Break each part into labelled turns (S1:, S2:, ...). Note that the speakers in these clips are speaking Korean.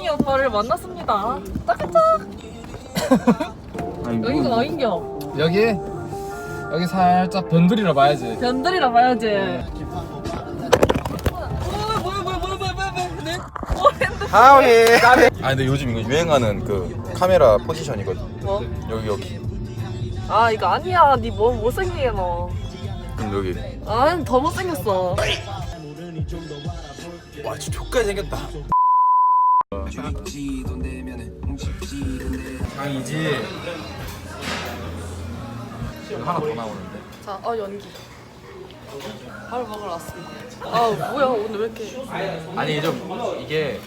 S1: 우승이 오빠를 만났습니다. 따끈짝. 여기가 어인겨?
S2: 여기 살짝 변두리라 봐야지.
S1: 변들이라 봐야지.
S3: 하위. 아 근데 요즘 이거 유행하는 그 카메라 포지션이거든.
S1: 뭐?
S3: 여기.
S1: 아 이거 아니야. 니 뭐 못생기게 너.
S3: 그럼 여기.
S1: 아 더 못생겼어.
S3: 와 진짜 족까지 생겼다. 장이지. 하나 더 나오는데.
S1: 자, 연기. 바로 먹으러 왔습니다. 아 뭐야 오늘 왜 이렇게?
S3: 아니 좀 이게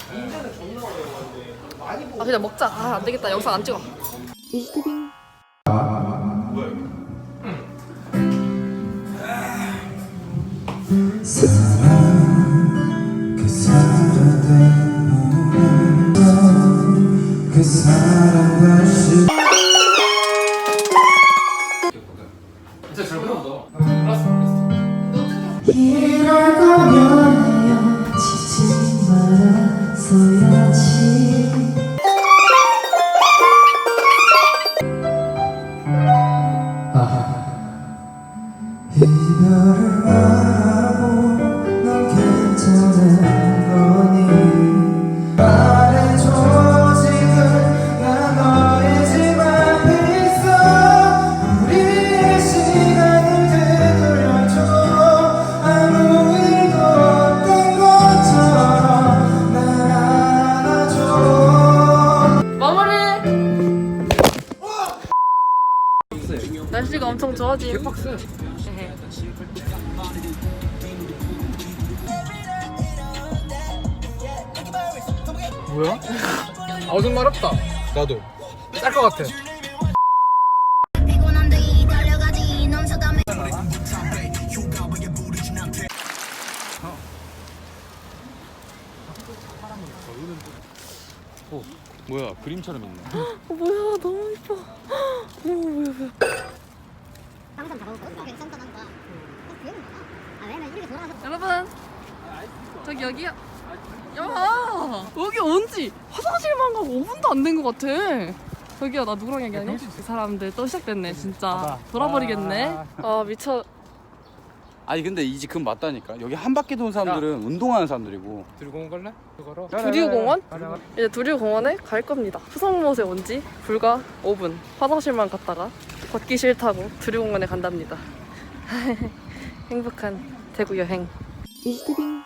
S1: 아 그냥 먹자. 아 안 되겠다. 영상 안 찍어. 이스티빙.
S4: 그 사람 다시
S2: 진짜 잘 부른다.
S4: 이럴 거면 헤어지지 말았어야지. 이별을 말하고 넌 괜찮은 거니 말해줘 지금 난 너의 집 앞에 있어. 우리의 시간을 되돌려줘. 아무 일도 없던 것처럼 날 안아줘.
S1: 마무리. 날씨가 엄청 좋아지.
S2: 빡세. 뭐야? 아 좀 마렵다.
S3: 나도.
S2: 짤 것 같아.
S3: 뭐야 그림처럼 있네.
S1: 뭐야 너무 이뻐. 뭐야.
S5: 항상 잡아놓고 괜찮다는 거야. 기억은 나나? 아 왜냐면 우리가 돌아가서
S1: 여러분 저기 여기요. 야 여기 온지 화장실만 가고 5분도 안 된 것 같아. 저기요 나 누구랑 얘기하니? 그 사람들 또 시작됐네 진짜. 돌아버리겠네. 아 미쳐.
S6: 아니 근데 이 집 그건 맞다니까. 여기 한 바퀴 도는 사람들은 운동하는 사람들이고.
S2: 들고 갈래? 그거로.
S1: 두류공원? 이제 두류공원에 갈 겁니다. 수성못에 온 지 불과 5분. 화장실만 갔다가 걷기 싫다고 두류공원에 간답니다. 행복한 대구 여행. 이스티빙.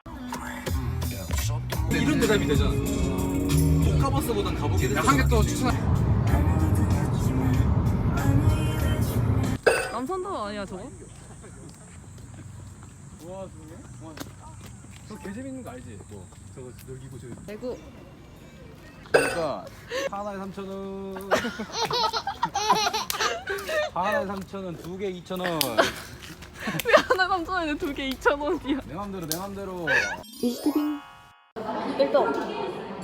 S3: 이런 대답이 되잖아. 못 가봤어보단 가보게 됐어.
S2: 한 개 또 추천.
S1: 남산도 아니야 저거?
S2: 저 개 재밌는 거 알지? 뭐 저거 여기고 저.
S1: 대구.
S6: 그러니까 하나에 3,000원. 하나에 3,000원, 두 개 2,000원.
S1: 왜 하나 3,000원에 두 개 2,000원이야?
S6: 내 맘대로.
S1: 이스티빙. 1등.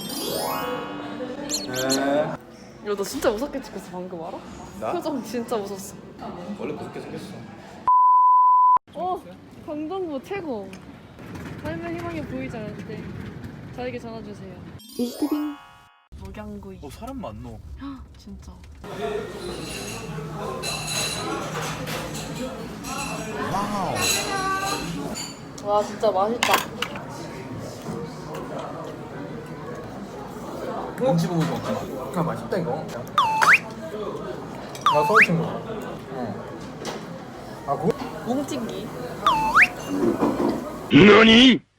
S1: 이거 너 진짜 무섭게 찍혔어 방금 알아?
S3: 나?
S1: 표정 진짜 무섭어.
S3: 원래 그렇게 생겼어.
S1: 강동구 최고. 삶의 희망이 보이지 않을 때 저에게 전화주세요. 이스티빙. 목양구이.
S3: 사람 많노.
S1: 진짜.
S3: 와우.
S1: 와 진짜 맛있다.
S3: 김치 부분 먹지.
S2: 아 맛있다 이거. 나 서울 친구. 아 그?
S1: 뭉치기.
S7: 너니?